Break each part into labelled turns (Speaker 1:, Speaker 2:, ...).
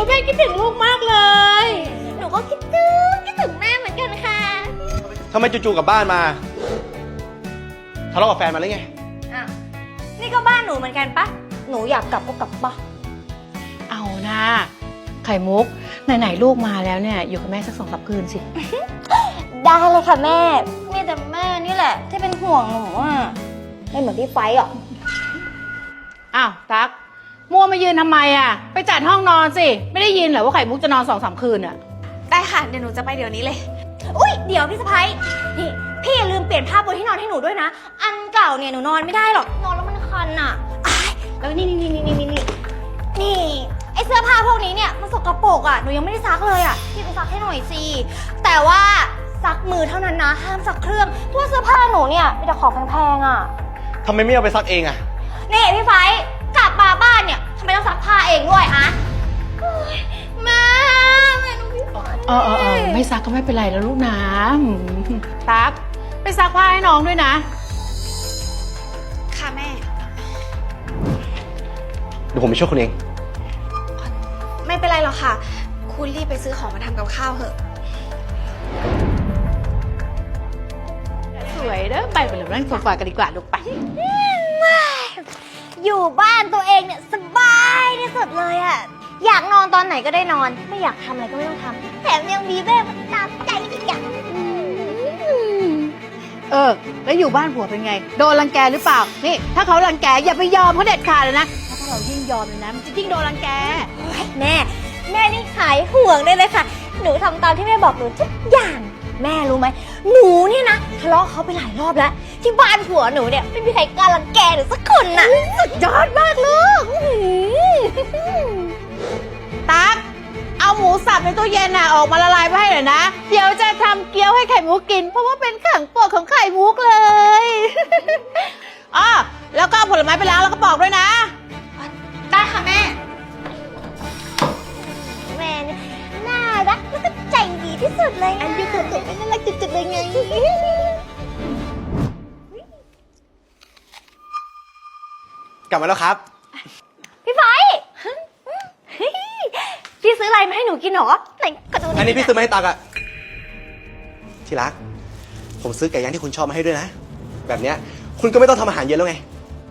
Speaker 1: แม่คิดถึงลูกมากเลย
Speaker 2: หนูก็คิดถึงแม่เหมือนกันค่ะ
Speaker 3: ทำไมจู่ๆกลับบ้านมาทะเลาะกับแฟนมาหรือไง
Speaker 2: อ่ะนี่ก็บ้านหนูเหมือนกันปะหนูอยากกลับก็กลับปะ
Speaker 1: เอานะไข่มุกไหนๆลูกมาแล้วเนี่ยอยู่กับแม่สัก2-3 คืนสิ
Speaker 2: ได้เลยค่ะแม่มีแต่แม่นี่แหละที่เป็นห่วงหนูอ่ะไม่เหมือนพี่ไฟหรอก
Speaker 1: อ้าวตั๊กมัวมายืนทำไมอ่ะไปจัดห้องนอนสิไม่ได้ยินเหรอว่าไข่มุกจะนอน2-3 คืนอ่ะ
Speaker 2: ได้ค่ะเดี๋ยวหนูจะไปเดี๋ยวนี้เลยอุ้ยเดี๋ยวพี่สะพ้ายนี่พี่อย่าลืมเปลี่ยนผ้าปูที่นอนให้หนูด้วยนะอันเก่าเนี่ยหนูนอนไม่ได้หรอกนอนแล้วมันคันอ่ะอ้ายแล้วนี่ไอเสื้อผ้าพวกนี้เนี่ยมันสกปรกอ่ะหนูยังไม่ได้ซักเลยอ่ะพี่ไปซักให้หน่อยสิแต่ว่าซักมือเท่านั้นนะห้ามซักเครื่องเพราะว่าเสื้อผ้าหนูเนี่ยมีแต่ของแพงๆอ่ะ
Speaker 3: ทำไมไม่เอาไปซักเองอะ
Speaker 2: นี่พี่ไฟกลับมาบ้านเนี่ยทำไมต้องซักผ้าเองด้วยฮะแม่หนูพี่ไฟ
Speaker 1: ไม่ซักก็ไม่เป็นไรแล้วลูกนะตั๊กไปซักผ้าให้น้องด้วยนะ
Speaker 2: ค่ะแม่
Speaker 3: เดี๋ยวผมไปช่วยคุณเอง
Speaker 2: ไม่เป็นไรหรอกค่ะคุณรีบไปซื้อของมาทำกับข้าวเถอะ
Speaker 1: สวยเด้อไปเลยนั่งโซฟากันดีกว่าลูกไป
Speaker 2: อยู่บ้านตัวเองเนี่ยสบายที่สุดเลยอะอยากนอนตอนไหนก็ได้นอน ไม่อยากทำอะไรก็ไม่ต้องทำแถมยังมีแม่มาตามใจอีกอย่าง
Speaker 1: แล้วอยู่บ้านผัวเป็นไงโดนรังแกหรือเปล่านี่ถ้าเขารังแกอย่าไปยอมเขาเด็ดขาดเลยนะเพราะถ้าเรายิ่งยอมเลยนะมันจะยิ่งโดนรังแก
Speaker 2: แม่นี่หายห่วงได้เลยค่ะหนูทำตามที่แม่บอกหนูทุกอย่างแม่รู้ไหมหนูเนี่ยนะทะเลาะเขาไปหลายรอบแล้วที่บ้านผัวหนูเนี่ยไม่มีใครกล้ารังแกหนูสักคนน่ะสุดยอดมากลูก
Speaker 1: ตั๊กเอาหมูสับในตู้เย็นน่ะออกมาละลายไปให้หน่อยนะ เดี๋ยวจะทำเกี๊ยวให้ไข่มุกกิน เพราะว่าเป็นของโปรดของไข่มุกเลย อ้อแล้วก็เอาผลไม้ไปล้างแล้วก็ปอกด้วยนะ
Speaker 2: ได้ค่ะแม่แม่เนี่ยน่ารักแล้วก็ใจดีที่สุดเลยอันนี้ตัวไม่น่ารักจุดๆเลยไง
Speaker 3: กลับมาแล้วครับ
Speaker 2: พี่ไฟพี่ซื้ออะไรมาให้หนูกินหรอไหนกระดูก
Speaker 3: อันนี้พี่ซื้อมาให้ตักอะที่รัก ผมซื้อไก่ย่างที่คุณชอบมาให้ด้วยนะ แบบเนี้ยคุณก็ไม่ต้องทำอาหารเย็นแล้วไง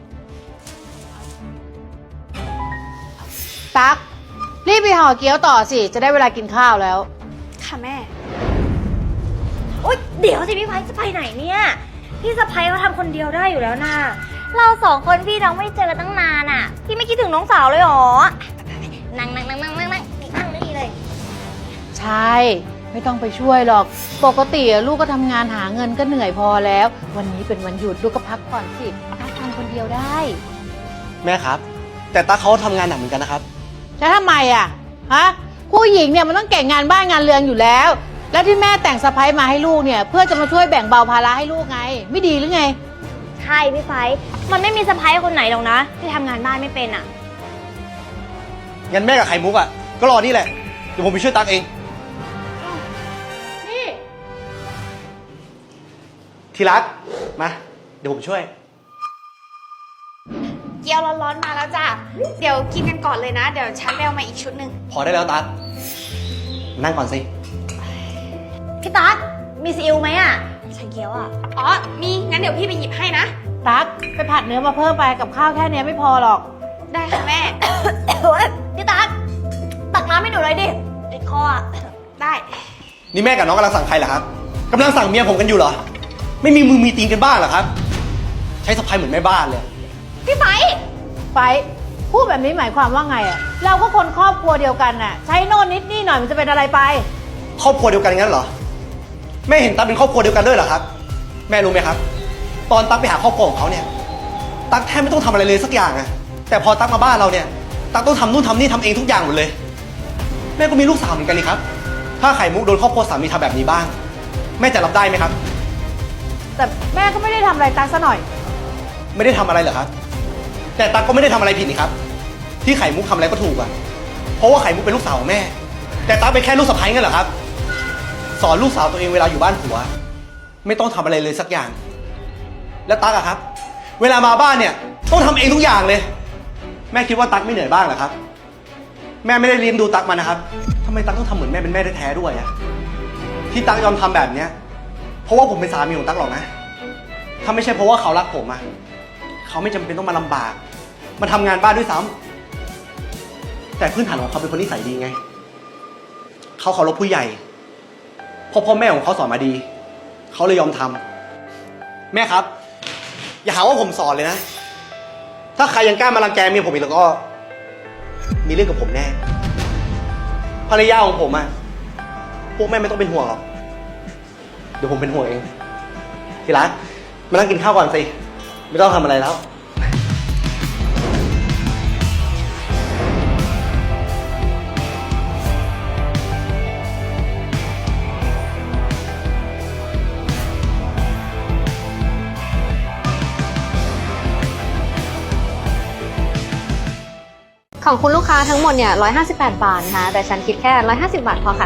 Speaker 1: ตั๊กรีบไปห่อเกี๊ยวต่อสิจะได้เวลากินข้าวแล้ว
Speaker 2: ค่ะแม่โอ๊ยเดี๋ยวสิพี่ไฟจะไปไหนเนี่ยพี่สะพ้ายเขาทำคนเดียวได้อยู่แล้วนะเราสองคนพี่น้องไม่เจอกันตั้งนานอ่ะพี่ไม่คิดถึงน้องสาวเลยหรอนั่งนี่เลย
Speaker 1: ใช่ไม่ต้องไปช่วยหรอกปกติลูกก็ทำงานหาเงินก็เหนื่อยพอแล้ว วันนี้เป็นวันหยุดลูกก็พักผ่อนสิตั๊กทำคนเดียวได้
Speaker 3: แม่ครับ แต่ตักเขาทำงานหนักเหมือนกันนะครับ
Speaker 1: แล้วทำไมอ่ะฮะผู้หญิงเนี่ยมันต้องเก่งงานบ้านงานเรือนอยู่แล้ว แล้วที่แม่แต่งสะใภ้มาให้ลูกเนี่ยเพื่อจะมาช่วยแบ่งเบาภาระให้ลูกไง ไม่ดีหรือไง
Speaker 2: ใช่พี่ไฟมันไม่มีสะพ้ายคนไหนหรอกนะที่ทำงานบ้านไม่เป็นอ่ะ
Speaker 3: งั้นแม่กับไข่มุกอะก็รอนี่แหละ เดี๋ยวผมไปช่วยตักเอง
Speaker 1: นี่
Speaker 3: ที่รัก มา เดี๋ยวผมช่วย
Speaker 4: เกี๊ยวร้อนๆมาแล้วจ้ะ เดี๋ยวกินกันก่อนเลยนะ เดี๋ยวฉันไปเอามาอีกชุดหนึ่ง
Speaker 3: พอได้แล้วตักนั่งก่อนสิ
Speaker 2: พี่ตั๊กมีซีอิ๊วไหมอ่ะฉันเกี๊ยวอ่ะ
Speaker 4: อ๋อ มีงั้นเดี๋ยวพี่ไปหยิบให้นะ
Speaker 1: ตั๊กไปผัดเนื้อมาเพิ่มไปกับข้าวแค่เนี้ยไม่พอหรอก
Speaker 4: ได้ค่ะแม่
Speaker 2: พี่ตั๊กตักน้ำให้หนูเลยดิติดคออ่ะ
Speaker 4: ได้
Speaker 3: นี่แม่กับน้องกำลังสั่งใครเหรอครับกำลังสั่งเมียผมกันอยู่เหรอ ไม่มีมือมีตีนกันบ้างเหรอครับ ใช้สะพายเหมือนแม่บ้านเลย
Speaker 2: พี่ไฟ
Speaker 1: ไปพูดแบบนี้หมายความว่าไงอ่ะเราก็คนครอบครัวเดียวกันน่ะใช้โน่นนิดนี่หน่อยมันจะเป็นอะไรไป
Speaker 3: ครอบครัวเดียวกันงั้นเหรอ แม่เห็นตั๊กเป็นครอบครัวเดียวกันด้วยเหรอครับ แม่รู้ไหมครับ ตอนตั๊กไปหาครอบครัวของเขาเนี่ย ตั๊กแทบไม่ต้องทำอะไรเลยสักอย่างอะแต่พอตั๊กมาบ้านเราเนี่ย ตั๊กต้องทำนู่นทำนี่ทำเองทุกอย่างหมดเลย แม่ก็มีลูกสาวเหมือนกันนี่ครับ ถ้าไข่มุกโดนครอบครัวสามีทำแบบนี้บ้าง แม่จะรับได้ไหมครับ
Speaker 1: แต่แม่ก็ไม่ได้ทำอะไรตั๊กซะหน่อย
Speaker 3: ไม่ได้ทำอะไรเหรอครับ แต่ตั๊กก็ไม่ได้ทำอะไรผิดนี่ครับ ที่ไข่มุกทำอะไรก็ถูกอะเพราะว่าไข่มุกเป็นลูกสาวของแม่ แต่ตั๊กเป็นแค่ลูกสะใภ้งั้นเหรอครับ สอนลูกสาวตัวเองเวลาอยู่บ้านผัว ไม่ต้องทำอะไรเลยสักอย่าง แล้วตั๊กอะครับ เวลามาบ้านเนี่ยต้องทำเองทุกอย่างเลย แม่คิดว่าตั๊กไม่เหนื่อยบ้างเหรอครับแม่ไม่ได้เลี้ยงดูตั๊กมานะครับทำไมตั๊กต้องทำเหมือนแม่เป็นแม่แท้ๆด้วยอะที่ตั๊กยอมทำแบบเนี้ยเพราะว่าผมเป็นสามีของตั๊กหรอกนะถ้าไม่ใช่เพราะว่าเขารักผมอะเขาไม่จำเป็นต้องมาลำบากมาทำงานบ้านด้วยซ้ำแต่พื้นฐานของเขาเป็นคนนิสัยดีไงเขาเคารพผู้ใหญ่เพราะพ่อแม่ของเขาสอนมาดีเขาเลยยอมทำแม่ครับอย่าหาว่าผมสอนเลยนะถ้าใครยังกล้ามารังแกเมียผมอีกแล้วก็มีเรื่องกับผมแน่ภรรยาของผมอะพวกแม่ไม่ต้องเป็นห่วงหรอกเดี๋ยวผมเป็นห่วงเองทีรักมานั่งกินข้าวก่อนสิไม่ต้องทำอะไรแล้ว
Speaker 5: ของคุณลูกค้าทั้งหมดเนี่ย158 บาทนะคะแต่ฉันคิดแค่150 บาทพอค่ะ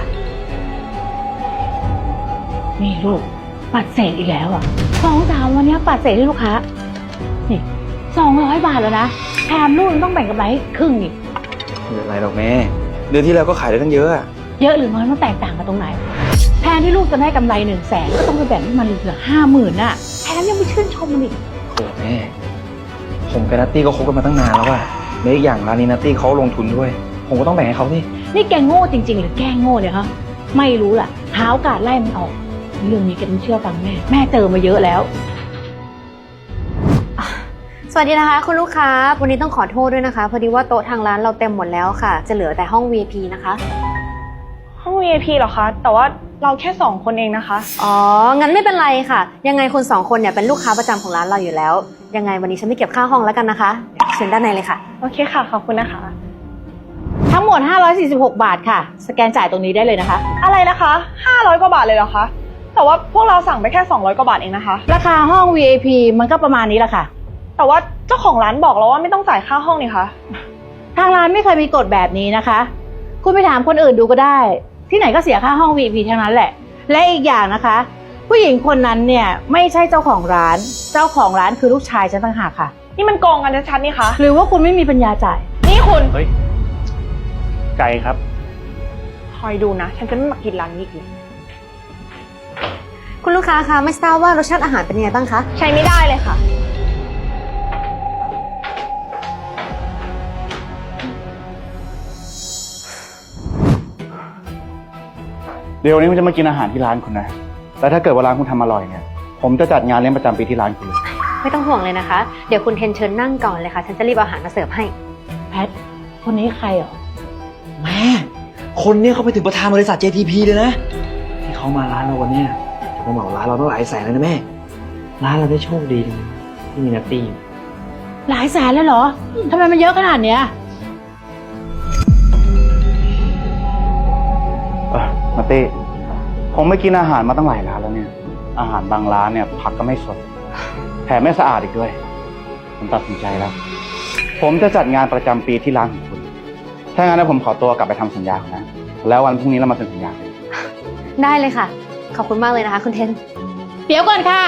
Speaker 1: นี่ลูกปัดเศษอีกแล้วอ่ะ2-3วันนี้ปัดเศษให้ลูกค้านี่200 บาทแล้วนะแถมลูกยังต้องแบ่งกำไรครึ่งอีก
Speaker 6: ไม่เป็นไรหรอกแม่เดือนที่แล้วก็ขายได้ตั้งเยอะอะ
Speaker 1: เยอะหรือน้อยมันแตกต่างกันตรงไหนแทนที่ลูกจะได้กำไร100,000ก็ต้องไปแบ่งให้มันเหลือ50,000น่ะแถมยังไปชื่นชมมันอีก
Speaker 6: โอ้แม่ผมกับนัตตี้ก็คบกันมาตั้งนานแล้วอะและอีกอย่างร้านนี้นัตตี้เขาลงทุนด้วยผมก็ต้องแบ่งให้เขาสิ
Speaker 1: นี่แกโง่จริงๆหรือแกโง่เนี่ยฮะไม่รู้ล่ะหาโอกาสไล่มันออกเรื่องนี้แกต้องเชื่อฟังแม่เจอมาเยอะแล้ว
Speaker 5: สวัสดีนะคะคุณลูกค้าวันนี้ต้องขอโทษด้วยนะคะพอดีว่าโต๊ะทางร้านเราเต็มหมดแล้วค่ะจะเหลือแต่ห้อง VIP นะคะ
Speaker 7: ห้อง VIP เหรอคะ แต่ว่าเราแค่2 คนเองนะคะ
Speaker 5: อ๋องั้นไม่เป็นไรค่ะยังไงคุณ2 คนเนี่ยเป็นลูกค้าประจำของร้านเราอยู่แล้วยังไงวันนี้ฉันไม่เก็บค่าห้องแล้วกันนะคะเชิญด้านในเลยค่ะ
Speaker 7: โอเคค่ะ ขอบคุณนะคะ
Speaker 1: ทั้งหมด546 บาทค่ะสแกนจ่ายตรงนี้ได้เลยนะคะ
Speaker 7: อะไรนะคะ500 กว่าบาทเลยเหรอคะ แต่ว่าพวกเราสั่งไปแค่200 กว่าบาทเองนะคะ
Speaker 1: ราคาห้อง VIP มันก็ประมาณนี้แหละค่ะ
Speaker 7: แต่ว่าเจ้าของร้านบอกเราว่าไม่ต้องจ่ายค่าห้องนี่คะ
Speaker 1: ทางร้านไม่เคยมีกฎแบบนี้นะคะคุณไปถามคนอื่นดูก็ได้ที่ไหนก็เสียค่าห้อง VIP ทั้งนั้นแหละและอีกอย่างนะคะ ผู้หญิงคนนั้นเนี่ยไม่ใช่เจ้าของร้านเจ้าของร้านคือลูกชายฉันต่างหากค่ะ
Speaker 7: นี่มันโกงกันชัดๆนี่คะ
Speaker 1: หรือว่าคุณไม่มีปัญญาจ่าย
Speaker 7: นี่คุณ
Speaker 6: เฮ้ยไก่ครับ
Speaker 7: คอยดูนะ ฉันจะไม่มากินร้านนี้อีก
Speaker 5: คุณลูกค้าคะไม่ทราบว่ารสชาติอาหารเป็นยังไงบ้างคะ
Speaker 7: ใช้ไม่ได้เลยค่ะ
Speaker 8: เดี๋ยววันนี้ผมจะมากินอาหารที่ร้านคุณนะ แล้วถ้าเกิดว่าร้านคุณทำอร่อยเนี่ย ผมจะจัดงานเลี้ยงประจำปีที่ร้านคุณเลย
Speaker 5: ไม่ต้องห่วงเลยนะคะเดี๋ยวคุณเทนเชิญนั่งก่อนเลยค่ะฉันจะรีบเอาอาหารมาเสิร์ฟให้
Speaker 1: แพทคนนี้ใครเหรอ
Speaker 6: แม่คนเนี้ยเขาไปถึงประธานบริษัท JTP เลยนะที่เขามาร้านเราวันเนี้ยจะมาเหมาร้านเราต้องหลายแสนเลยนะแม่ร้านเราได้โชคดีจังที่มีนัตตี้อยู่
Speaker 1: หลายแสนเลยเหรอทำไมมันเยอะขนาดเนี้ย
Speaker 8: มาเต้ผมไม่กินอาหารมาตั้งหลายร้านแล้วเนี่ย อาหารบางร้านเนี่ยผักก็ไม่สด แถมไม่สะอาดอีกด้วย ผมตัดสินใจแล้ว ผมจะจัดงานประจำปีที่ร้านของคุณ ถ้างั้นนะผมขอตัวกลับไปทำสัญญาก่อนนะ แล้ววันพรุ่งนี้เรามาเซ็นสัญญากัน
Speaker 5: ได้เลยค่ะขอบคุณมากเลยนะคะคุณเทน
Speaker 1: เดี๋ยวก่อนค่ะ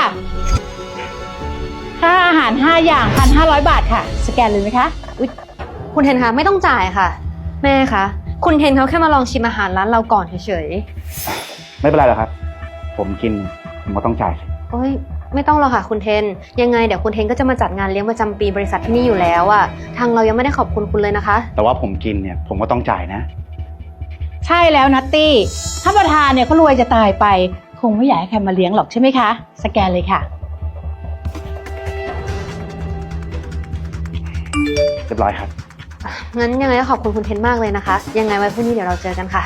Speaker 1: ค่าอาหาร5อย่าง1,500 บาทค่ะสแกนเลยไหมคะอุ๊ย
Speaker 5: คุณเทนคะไม่ต้องจ่ายค่ะแม่คะคุณเทนเขาแค่มาลองชิมอาหารร้านเราก่อนเฉย
Speaker 8: ไม่เป็นไรหรอกครับ ผมกินผมก็ต้องจ่ายสิ
Speaker 5: ๆโอ้ยไม่ต้องหรอกค่ะคุณเทนยังไงเดี๋ยวคุณเทนก็จะมาจัดงานเลี้ยงประจำปีบริษัทที่นี่อยู่แล้วอะทางเรายังไม่ได้ขอบคุณคุณเลยนะคะ
Speaker 8: แต่ว่าผมกินเนี่ยผมก็ต้องจ่ายนะ
Speaker 1: ใช่แล้วนัตตี้ถ้าประธานเนี่ยเขารวยจะตายไปคงไม่อยากให้ใครมาเลี้ยงหรอกใช่ไหมคะสแกนเลยค่ะ
Speaker 8: เรียบร้อยครับ
Speaker 5: งั้นยังไงก็ขอบคุณคุณเทนมากเลยนะคะยังไงไว้พรุ่งนี้เดี๋ยวเราเจอกันค่ะ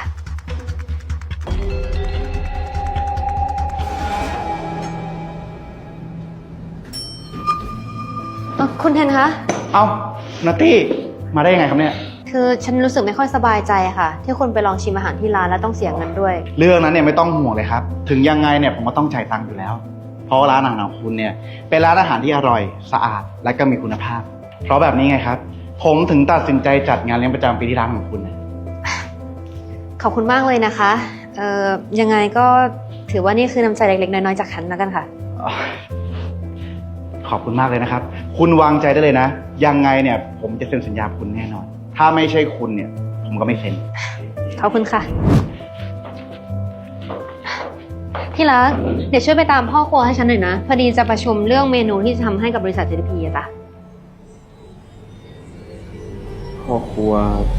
Speaker 5: คุณเทนคะ
Speaker 8: เอ้านัตตี้มาได้ยังไงครับเนี่ย
Speaker 5: คือฉันรู้สึกไม่ค่อยสบายใจค่ะที่คุณไปลองชิมอาหารที่ร้านแล้วต้องเสียเงินด้วย
Speaker 8: เรื่องนั้นเนี่ยไม่ต้องห่วงเลยครับ ถึงยังไงเนี่ยผมก็ต้องจ่ายตังค์อยู่แล้ว เพราะว่าร้านอาหารของคุณเนี่ยเป็นร้านอาหารที่อร่อยสะอาดและก็มีคุณภาพ เพราะแบบนี้ไงครับ ผมถึงตัดสินใจจัดงานเลี้ยงประจำปีที่ร้านของคุณนะ
Speaker 5: ขอบคุณมากเลยนะคะยังไงก็ถือว่านี่คือน้ำใจเล็กๆน้อยๆจากฉันแล้วกันค่ะ
Speaker 8: ขอบคุณมากเลยนะครับ คุณวางใจได้เลยนะ ยังไงเนี่ยผมจะเซ็นสัญญากับคุณแน่นอน ถ้าไม่ใช่คุณเนี่ยผมก็ไม่เซ็น
Speaker 5: ขอบคุณค่ะ ที่รัก เดี๋ยวช่วยไปตามพ่อครัวให้ฉันหน่อยนะ พอดีจะประชุมเรื่องเมนูที่จะทำให้กับบริษัท JTP อะจ้ะ
Speaker 6: พ่อครัว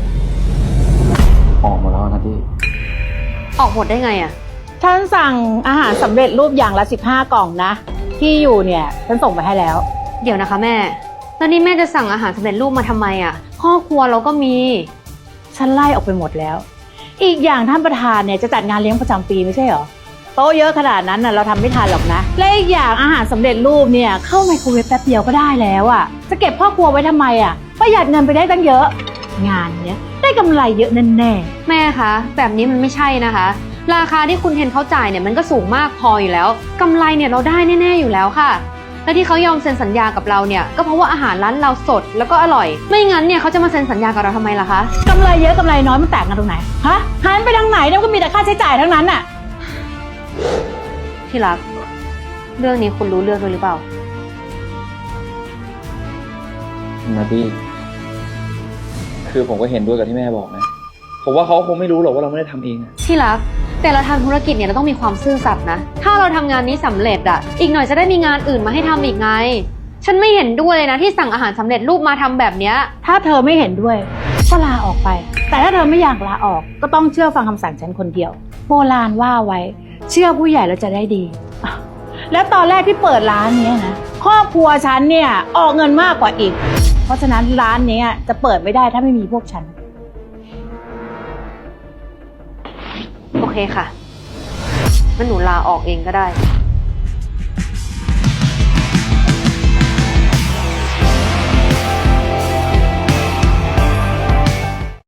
Speaker 6: ออกมาแล้วนะพี่
Speaker 5: ออกหมดได้ไงอะ
Speaker 1: ฉันสั่งอาหารสำเร็จรูปอย่างละ15 กล่องนะ ที่อยู่เนี่ยฉันส่งไปให้แล้ว
Speaker 5: เดี๋ยวนะคะแม่ แล้วนี่แม่จะสั่งอาหารสำเร็จรูปมาทำไมอะพ่อครัวเราก็มี
Speaker 1: ฉันไล่ออกไปหมดแล้ว อีกอย่างท่านประธานเนี่ยจะจัดงานเลี้ยงประจำปีไม่ใช่เหรอ โต๊ะเยอะขนาดนั้นน่ะเราทำไม่ทันหรอกนะ และอีกอย่างอาหารสำเร็จรูปเนี่ยเข้าไมโครเวฟแป๊บเดียวก็ได้แล้วอ่ะ จะเก็บพ่อครัวไว้ทำไมอ่ะ ประหยัดเงินไปได้ตั้งเยอะ งานเนี้ยได้กำไรเยอะแน่
Speaker 5: แม่คะ แบบนี้มันไม่ใช่นะคะ ราคาที่คุณเทนเขาจ่ายเนี่ยมันก็สูงมากพออยู่แล้วกำไรเนี่ยเราได้แน่ๆอยู่แล้วค่ะ และที่เขายอมเซ็นสัญญากับเราเนี่ยก็เพราะว่าอาหารร้านเราสดแล้วก็อร่อย ไม่งั้นเนี่ยเขาจะมาเซ็นสัญญากับเราทำไมล่ะคะ
Speaker 1: ๆกำไรเยอะกำไรน้อยมันแตกกันตรงไหน ฮะหันไปทางไหนเนี่ยมันก็มีแต่ค่าใช้จ่ายทั้งนั้นน่ะ
Speaker 5: ที่รัก เรื่องนี้คุณรู้เรื่องด้วยหรือเปล่า
Speaker 6: นาดี้คือผมก็เห็นด้วยกับที่แม่บอกนะ ผมว่าเขาคงไม่รู้หรอกว่าเราไม่ได้ทำเองอะ
Speaker 5: ที่รัก แต่เราทำธุรกิจเนี่ยเราต้องมีความซื่อสัตย์นะ ถ้าเราทำงานนี้สำเร็จอะอีกหน่อยจะได้มีงานอื่นมาให้ทำอีกไง ฉันไม่เห็นด้วยเลยนะที่สั่งอาหารสำเร็จรูปมาทำแบบเนี้ย
Speaker 1: ถ้าเธอไม่เห็นด้วยก็ลาออกไป แต่ถ้าเธอไม่อยากลาออกก็ต้องเชื่อฟังคำสั่งฉันคนเดียว โบราณว่าไว้ เชื่อผู้ใหญ่แล้วจะได้ดีอ้าวแล้วตอนแรกที่เปิดร้านเนี้ยนะครอบครัวฉันเนี่ยออกเงินมากกว่าอีก เพราะฉะนั้นร้านเนี้ยจะเปิดไม่ได้ถ้าไม่มีพวกฉัน
Speaker 5: โอเคค่ะงั้นหนูลาออกเองก็ได้